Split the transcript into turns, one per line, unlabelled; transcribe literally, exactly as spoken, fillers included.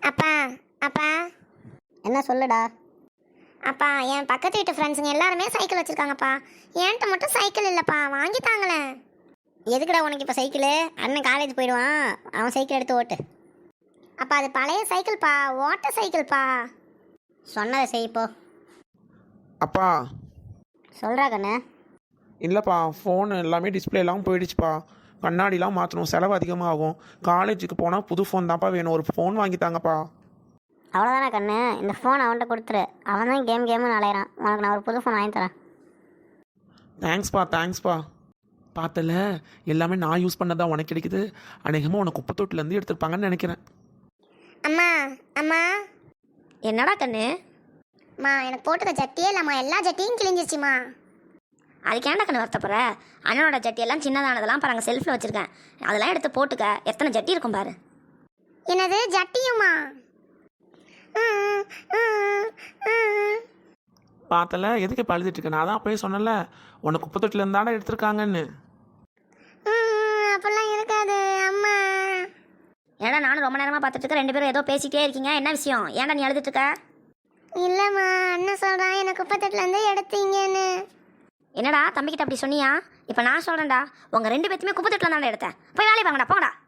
அப்பா அப்பா
என்ன சொல்லுடா?
அப்பா என் பக்கத்து வீட்டு ஃப்ரெண்ட்ஸுங்க எல்லாருமே சைக்கிள் வச்சுருக்காங்கப்பா. என்கிட்ட மட்டும் சைக்கிள் இல்லைப்பா, வாங்கி தாங்களேன்.
எதுக்குடா உனக்கு இப்போ சைக்கிளு? அண்ணன் காலேஜ் போயிடுவான், அவன் சைக்கிள் எடுத்து ஓட்டு.
அப்பா அது பழைய சைக்கிள்ப்பா, ஓட்ட சைக்கிள்ப்பா.
சொன்னதை செய்ப்போ.
அப்பா
சொல்கிறா கண்ணு.
இல்லைப்பா, ஃபோனு எல்லாமே டிஸ்பிளேலாம் போயிடுச்சுப்பா. கண்ணாடிலாம் மாற்றணும், செலவு அதிகமாக ஆகும். காலேஜுக்கு போனால் புது ஃபோன் தான்ப்பா வேணும், ஒரு ஃபோன் வாங்கித்தாங்கப்பா.
அவ்வளோதானே கண்ணு, இந்த ஃபோன் அவன்கிட்ட கொடுத்துரு. அவன் தான் கேம் கேம்னு அலையிறான். உனக்கு நான் ஒரு புது ஃபோன் வாங்கி தரேன்.
தேங்க்ஸ்ப்பா தேங்க்ஸ்ப்பா. பார்த்தல, எல்லாமே நான் யூஸ் பண்ணதான் உனக்கு கிடைக்குது. அநேகமாக உனக்கு குப்பத்தொட்டிலேருந்து எடுத்துருப்பாங்கன்னு நினைக்கிறேன்.
அம்மா அம்மா
என்னடா கண்ணு?
அம்மா எனக்கு போட்டுக்க ஜட்டியே இல்லைம்மா, எல்லா ஜட்டியும் கிழிஞ்சிருச்சுமா.
அதுக்கு ஏன்டா கண்ணு வருத்தப்படுற? அண்ணனோட ஜட்டி எல்லாம் சின்னதானதெல்லாம் பாருங்க, செல்ஃபில் வச்சுருக்கேன். அதெல்லாம் எடுத்து போட்டுக்க. எத்தனை ஜட்டி இருக்கும் பாரு.
என்னது ஜட்டியுமா?
பார்த்தல, எதுக்கு இப்போ அழுதுட்டு இருக்கேன்? நான் தான் அப்பயே சொன்னல, உனக்கு குப்பத்தொட்டிலேருந்து தானே எடுத்திருக்காங்கன்னு.
அப்படிலாம் இருக்காது அம்மா.
ஏடா நானும் ரொம்ப நேரமாக பார்த்துட்டு இருக்கேன், ரெண்டு பேரும் ஏதோ பேசிக்கிட்டே இருக்கீங்க. என்ன விஷயம்? ஏன்டா நீ அழுதுட்டு இருக்க?
இல்லைம்மா, அண்ணன் சொல்கிறான் எனக்கு குப்பத்தொட்டிலேருந்து எடுத்தீங்கன்னு.
என்னடா தம்பிக்கிட்ட அப்படி சொன்னியா? இப்போ நான் சொல்கிறேன்டா, உங்கள் ரெண்டு பேர்த்துமே குப்பத்தொட்டில் தானே எடுத்தேன். போய் வேலையை பாங்கடா, போங்கடா.